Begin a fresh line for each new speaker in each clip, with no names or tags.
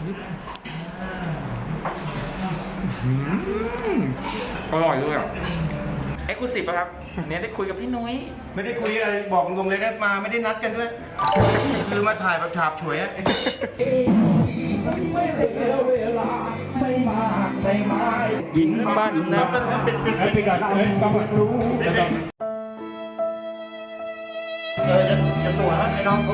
อร่อยด้วยอ่ะเอ็กซ์คลูซีฟครับเนี่ยได้คุยกับพี่นุ้ย
ไม่ได้คุยอะไรบอกตรงเลยนะมาไม่ได้นัดกันด้วย คือมาถ่ายแบบฉาบฉวยอะ
กินบ้านนะ
ไปก่อนเฮ้ยต้องรู้
จะสวยไอ้น้อง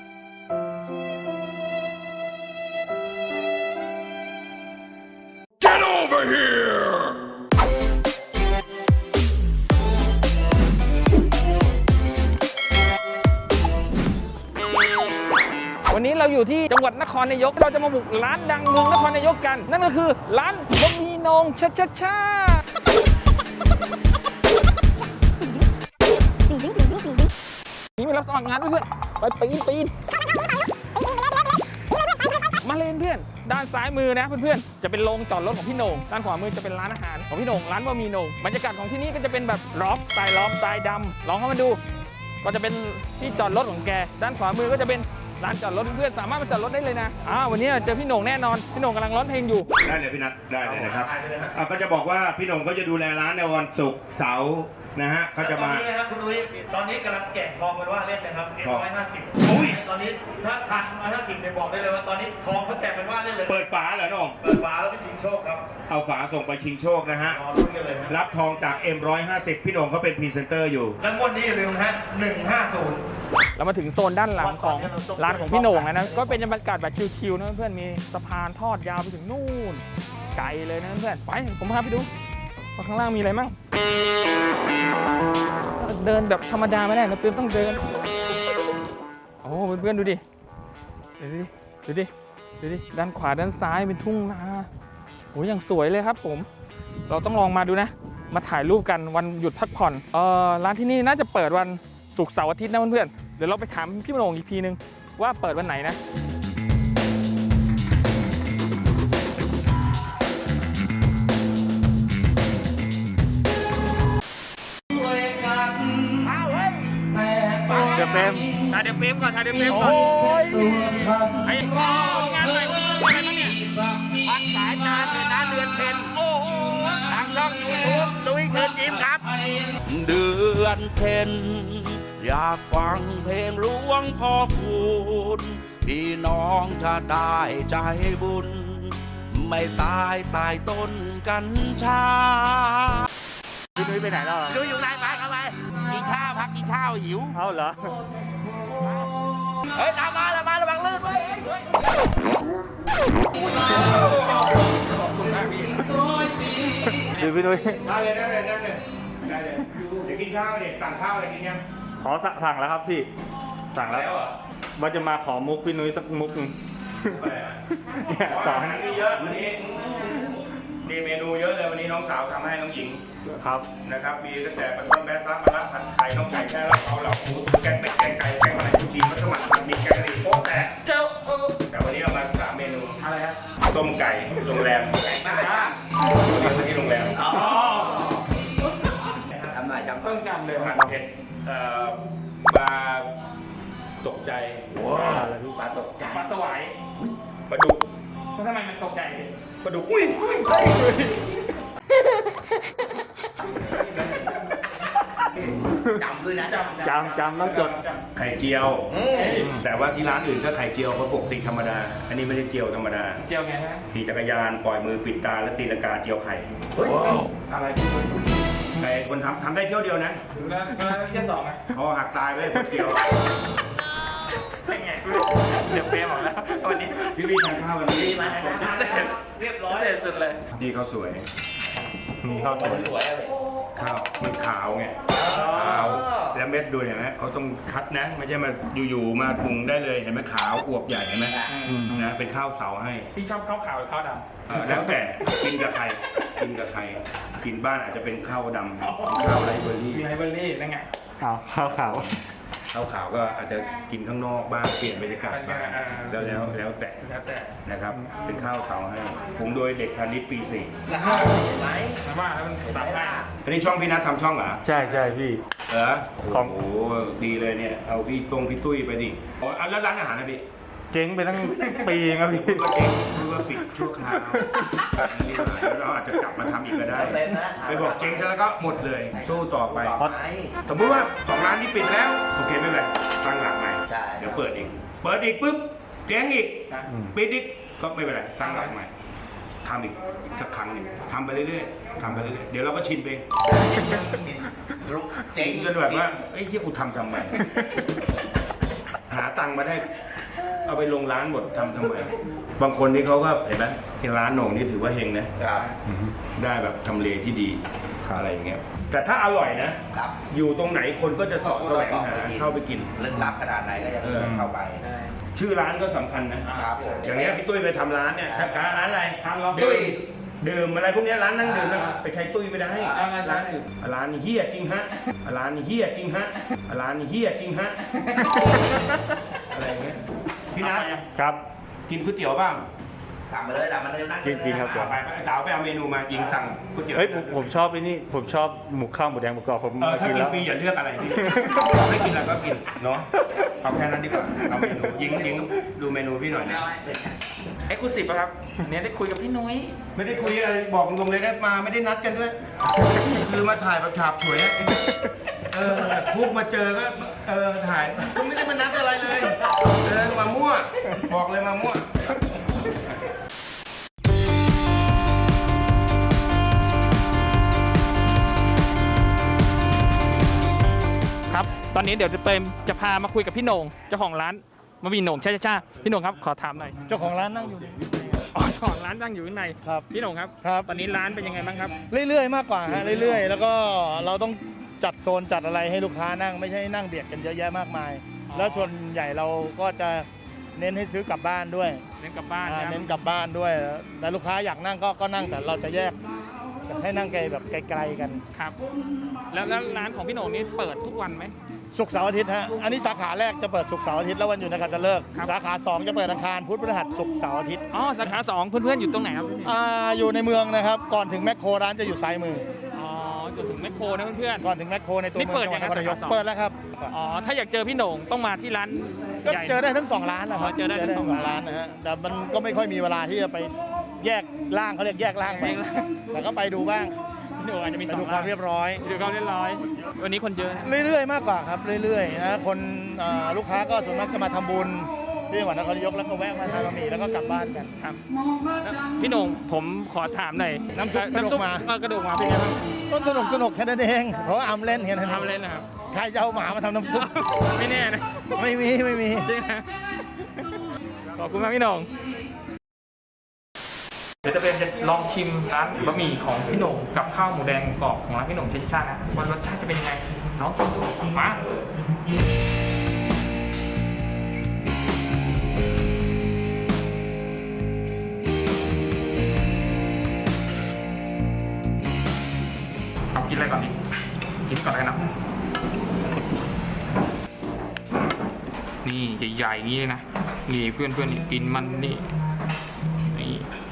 วันนี้เราอยู่ที่จังหวัดนครนายกเราจะมาบุกร้านดังเมืองนครนายกกันนั่นก็คือร้านบะหมี่โหน่งชานี่มารับสมัครงานเพื่อนไปปีนมาเลนเพื่อนด้านซ้ายมือนะเพื่อนๆจะเป็นโรงจอดรถของพี่โหน่งด้านขวามือจะเป็นร้านอาหารของพี่โหน่งร้านบะหมี่โหน่งบรรยากาศของที่นี่ก็จะเป็นแบบล็อบสไตล์ดำลองเข้ามาดูก็จะเป็นที่จอดรถของแกด้านขวามือก็จะเป็นร้านจอดรถเพื่อนๆสามารถมาจอดรถได้เลยนะวันนี้เจอพี่โหน่งแน่นอนพี่โหน่งกำลังร้องเพลงอยู่
ได้เลยพี่นัทได้เลยนะครับก็จะบอกว่าพี่โหน่งก็จะดูแลร้านในวันศุกร์เสาร์นะฮะเขาจะมา
ตอนนี้นะครับคุณนุ้ยตอนนี้กำลังแกะทองกันว่าเล่นนะครับ150ตอนนี้ถ้าทัน150เนี่ยบอกได้เลยว่าตอนนี้ทองเขาแจกเป็นว่าเล่นเลย
เปิดฝาเหรอน้อง
เปิดฝาแล้วไปชิงโชคครับ
เอาฝาส่งไปชิงโชคนะฮะ
รอลุ้นกันเลย
รับทองจาก M150 พี่โหน่งเขาเป็นพรีเซนเตอร์อยู่
แล้วงวดนี้อย่าลืมนะฮะ150
เรามาถึงโซนด้านหลังของร้านของพี่โหน่งนะก็เป็นบรรยากาศแบบชิลๆนะเพื่อนมีสะพานทอดยาวไปถึงนู่นไกลเลยนะเพื่อนไปผมพาไปดูว่าข้างล่างมีอะไรมั่งเดินแบบธรรมดาไม่ได้นะเพื่อนต้องเดินโอ้เพื่อนๆดูดิด้านขวาด้านซ้ายเป็นทุ่งนาโอ้ยังสวยเลยครับผมเราต้องลองมาดูนะมาถ่ายรูปกันวันหยุดพักผ่อนร้านที่นี่น่าจะเปิดวันศุกร์เสาร์อาทิตย์นะเพื่อนๆเดี๋ยวเราไปถามพี่โหน่งอีกทีนึงว่าเปิดวันไหนนะเดี๋ยวเฟรมถ่ายเดี๋ยวเฟรมก่อนโอ้ยไอ้งานใหม่เพื่อนอะไรเนี่ยพักสายงานเดือนเดือนเพ็ญโอ้โหทางช่องยูทูบลุยเชิญยิ้มครับ
เดือนเพ็ญอยากฟังเพลงหลวงพ่อคูณพี่น้องจะได้ใจบุญไม่ตายใต้ต้นกัญชา
พี่นุ้ยไปไหนแล้ว
ดูอยู่ไหนมาเข้าไปกินข้าวพักกินข้าวหิว
เอาเหรอ
เฮ้ยตามมาระวังลื่นไว้
ดูพี่นุ้ย
ได้เลยเดี๋ยวกินข้าวเด็กสั่งข้าวอะไรกินยัง
ขอสั่งแล้วครับพี่สั่งแล้วว่าจะมาขอมุกพี่นุ้ยสักมุกนึงเนี่ยสอน
มีเยอะวันนี้มีเมนูเยอะเลยวันนี้น้องสาวทำให้น้องหญิง
ครับ
นะครับมีตั้งแต่ปลาต้มแบะซับมะระผัดไข่น้องไก่แค่เราเหล่าหมูแกงเป็ดแกงไก่แกงอะไรจีนมัสมั่นผัดมีแกงกะหรี่โป๊ะแต่วันนี้เอามา3 เมนู
อะไรครับ
ต้มไก่โรงแรมไก่บ้านวันนี้ที่โรงแรม
จำหน่อยต้องจำเลย
ผัดเผ็ดปลาตกใจปลาตกใจ
ปลาสวาย
ปลาดุก
ทำไมมันตกใจ
ปลาดุกอุ้ย
จำด้วยนะ
จำต้องจด
ไข่เจียวแต่ว่าที่ร้านอื่นก็ไข่เจียวเขาปกติธรรมดาอันนี้ไม่ได้เจียวธรรมดา
เจียวไงฮะ
ขี่จักรยานปล่อยมือปิดตาแล้วตีลังกาเจียวไข่
อะไร
ใครคนทำได้เที่ยวเดียวนะ
แล้วเที่ยว2ไหม
เขาหักตายไปคนเดียว
เป็นไงเดี๋ยวเปย์บอกแล้ววันนี้
พี่ทานข้าววันนี้
มาเรียบร้อย
เสร็จสุดเลย
นี่ข้าวสวย
มีข้าวสวย
ข้าวมันขาวไงขาวแล้วเม็ดดูเห็นไหมเขาต้องคัดนะไม่ใช่มาอยู่ๆมาปรุงได้เลยเห็นไหมขาวอวบใหญ่เห็นไหมนะเป็นข้าวเสาให้
พี่ชอบข้าวขาวหรือข้าวด
ำแล้วแต่กินกับใครกินบ้านอาจจะเป็นข้าวดำข้าวไรเบอร์รี่
มีไรเบอร์รี่นั่นไงข้าวขาว
ก็อาจจะกินข้างนอกบ้างเปลี่ยนบรรยากาศบ้างแล้วแต่นะครับเป็นข้าวเสาให้ผมโดยเด็กพาณิชย์ปี4
ไหมว่าแล้วมันตัดได้
อันนี้ช่องพี่นัททำช่องเหรอ
ใช่พี่
โอ้โหดีเลยเนี่ยเอาพี่ตุ้ยไปดิแล้วร้านอาหารนะพี่
จ
จ๊งไปตั้งปีเองครับพี่
ก็เจ๊งหรือว่าปิดชั่วคราวนี่หายแล้วเราอาจจะกลับมาทำอีกก็ได้ ไปบอกเจ๊งซะแล้วก็หมดเลย สู้ต่อไป สมมติว่า2 ร้านนี้ปิดแล้วโอเคไม่เป็นไรตั้งหลักใหม่ เดี๋ยวเปิดอีกปุ๊บเจ๊งอีกปิดอีกก็ไม่เป็นไรตั้งหลักใหม่ทำอีกสักครั้งหนึ่งทำไปเรื่อยๆทำไปเรื่อยๆเดี๋ยวเราก็ชินไปเองเจ๊งจนแบบว่าเอ้ยที่กูทำไมหาตังค์มาได้ เอาไปลงร้านหมดทำไมบางคนนี่เขาก็เห็นไหมที่ร้านโหน่งนี่ถือว่าเฮงนะได้แบบทำเลที่ดีอะไรอย่างเงี้ยแต่ถ้าอร่อยนะอยู่ตรงไหนคนก็จะสอบแสวงหาเข้าไปกิน
ลึกลับขนาดไหนก็ยังเข้าไป
ชื่อร้านก็สำคัญนะอย่างเงี้ยพี่ตุ้ยไปทำร้านเนี่ยร้านอะไร
ตุ้ย
ดื่มอะไรพวกเนี้ยร้านนั่งดื่มนะไปใช้ตุ้ยไม่ได้
ร้านอื่น
ร้านนี้เฮี้ยจริงฮะร้านนี้เฮี้ยจริงฮะร้านนี้เฮี้ยจริงฮะอะไรอย่างเงี้ยพี่นัท
ครับ
กินก๋วยเตี๋ยวบ้าง
สั่งมาเลยมันเลยนั่ง
กินครับ
ไปเต๋าไปเอาเมนูมายิงสั่งก๋วยเตี๋ยว
เฮ้ยผมชอบไอ้นี่ผมชอบหมูข้าวหมูแดงหมูกรอบผม
ถ้า
กิน
กิน
แล้ว
ฟรีอย่าเลือกอะไรพี่ไม่กินอะไรก็กินเนาะเอาแค่นั้นดีกว่าเอาเมนูยิงดูเมนูพี่หน่อยนะ
เอ็กซ์คลูซีฟครับอันนี้ได้คุยกับพี่นุ้ย
ไม่ได้คุยอะไรบอกตรงๆเลยนะมาไม่ได้นัดกันด้วย คือมาถ่ายแบบฉาบฉวยนะพวกมาเจอก็ถ่ายก็ไม่ได้มานัดอะไรเลยมามั่วบอกเลยมามั่ว
ครับตอนนี้เดี๋ยวจะพามาคุยกับพี่โหน่งเจ้าของร้านมามีโหน่งช่าพี่โหน่งครับขอถามหน่อย
เจ้าของร้านนั่งอยู่
อ๋อเจ้าของร้านตั้งอยู่ข้างใน
ครับ
พี่โหน่งครับ
ครับ
ตอนนี้ร้านเป็นยังไงบ้างครับ
เรื่อยๆมากกว่าฮะเรื่อยๆ แล้วก็เราต้องจัดโซนจัดอะไรให้ลูกค้านั่งไม่ใช่นั่งเบียดกันเยอะแยะมากมาย
อ๋อ
แล้วส่วนใหญ่เราก็จะเน้นให้ซื้อกลับบ้านด้วย
เน้นกลับบ้านนะครับ
เน้นกลับบ้านด้วยแต่ลูกค้าอยากนั่งก็นั่งแต่เราจะแยกให้นั่งไกลแบบไกลๆกัน
ครับ แล้วร้านของพี่โหน่งนี่เปิดทุกวันไหม
ศุกร์เสาร์อาทิตย์ฮะอันนี้สาขาแรกจะเปิดศุกร์เสาร์อาทิตย์แล้ววันหยุดนักขัตฤกษ์
ครับ
สาขา2จะเปิดอังคารพุธพฤหัสศุกร์เสาร์อาทิตย์
อ๋อสาขา2เพื่อนๆอยู่ตรงไหนครับ
อยู่ในเมืองนะครับก่อนถึงแมคโครร้านจะอยู่ซ้ายมือ
อ๋อจนถึงแมคโครนะเพื่อน
ก่อนถึงแมคโครในตัว
นี่
เมือง
เปิด
จังหวัด
ยัง
น
ไง
ครนายก
สาขา2
เปิดแล้วครับ
ๆอ๋อถ้าอยากเจอพี่โหน่งต้องมาที่ร้าน
ก็
ใหญ่
เจอได้ทั้ง2ร้านนะครั
อ๋อเจอได้ทั้งสองร้าน
นะฮะแต่มันก็ไม่ค่อยมีเวลาที่จะไปแยกร่างเขาเรียกแยกร่างไป
แยกร่าง
แต่ก็ไปดูบ้าง
พี่โหน่งอาจจะมี
ไป
สอ
ดู
ง
ความเรียบร้อย
ดูความเรียบร้อยวันนี้คนเยอะนะ
เรื่อยๆมากกว่าครับเรื่อยๆนะคนลูกค้าก็ส่วนมากจะมาทำบุญที่จังหวัดนครนายกแล้วก็แวะมาทานบะหมี่แล้วก็กลับบ้านกัน
ครับแล้วพี่โหน่งผมขอถามหน่อย
น้ำซุปกระดูกหมา
กระดูกหมาเป็นไงบ้าง
ก็สนุกแค่นั้นเองเพราะว่าอำเล่นแค่นั้น
ทำเล่นนะครับ
ใครจะเอาหมามาทำน้ำซุป
ไม่แน่นะ
ไม่มี
จริงนะขอบคุณมากพี่โหน่งเดี๋ยวจะเป็นจะลองชิมร้านบะหมี่ของพี่โหน่งกับข้าวหมูแดงกรอบของร้านพี่โหน่งเชชานะว่ารสชาติจะเป็นยังไงน้องชิมดูมาเอากินอะไรก่อนดิกินก่อนเลยนะนี่ใหญ่ๆอย่างนี้เลยนะนี่เพื่อนๆนี่กินมันนี่นี่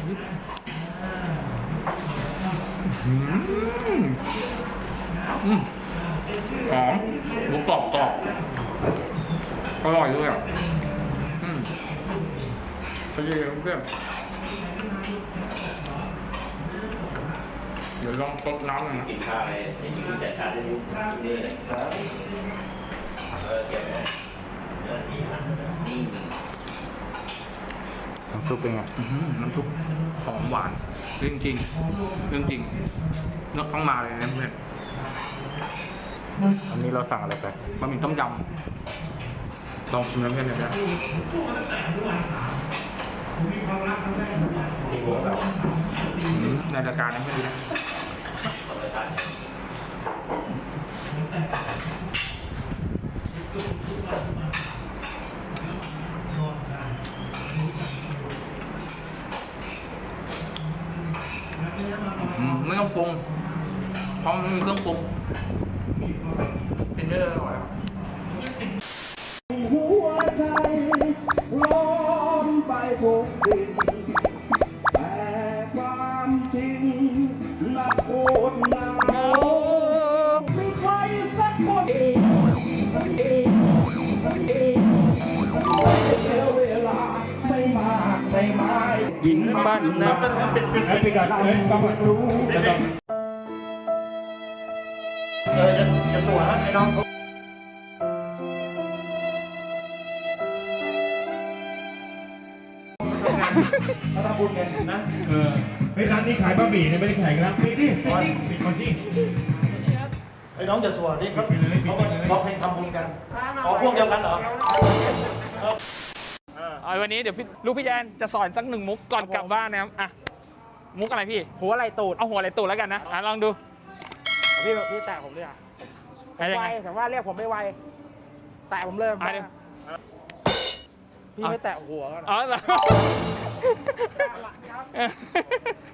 หอมหมูกรอบอร่อยด้วยอ่ะไปเลยเพื่อนเดี๋ยวลองซดน้ำหน่อยนะ
กินข้าวเลยที่จัดการได้ยุ่งนี่เลยเก็บ
น้ำซุปเป็นไง
น้ำซุปหอมหวานเรื่องจริงเรื่องจริงเนื้อต้องมาเลยนะเพื่อน
อันนี้เราสั่งอะไรไป
บะหมี่ต้มยำลองชิมแล้วเพื่อนนะในรายการนี้ไม่ดีนะไม่ต้องปรุงเพราะมันมีเครื่องปรุงกินได้เลยอร่อยครับ
หัวใจล้อมไปทุกสิ่งแต่ความจริงน่าโคตรหนาวมีใครสักคนเวลา
กินบ้านนะ
ไปก่อนต้องรู้
จะสวยไอ้น้อง
มาทำบุญกันนะ
เฮ้ยร้านนี้ขายบะหมี่เนี่ยไม่ได้ขายกันแล้วปิดดิปิดก่อนที่
ไอ้น้องจะสวยนี่เขา
ปิดเลยปิดเลย
เขาเพลงทำบุญกัน
อ๋อพวกเดียวกันเหรอ
เอาวันนี้เดี๋ยวลูกพี่แอนจะสอนสักหนึ่งมุกก่อนกลับบ้านนะครับอ่ะมุกอะไรพี่
หัวไหล่ตูด
เอาหัวอะไรตูดแล้วกันนะลองดู
พี่แตะผมด้วยอ่ะ
ยัง
ไว
ไง
แต่ว่าเรียกผมไม่ไวแตะผมเลย
อ่ะเดี๋ยว
พี่ไม่แตะหัวกัน
อ๋อเหรอ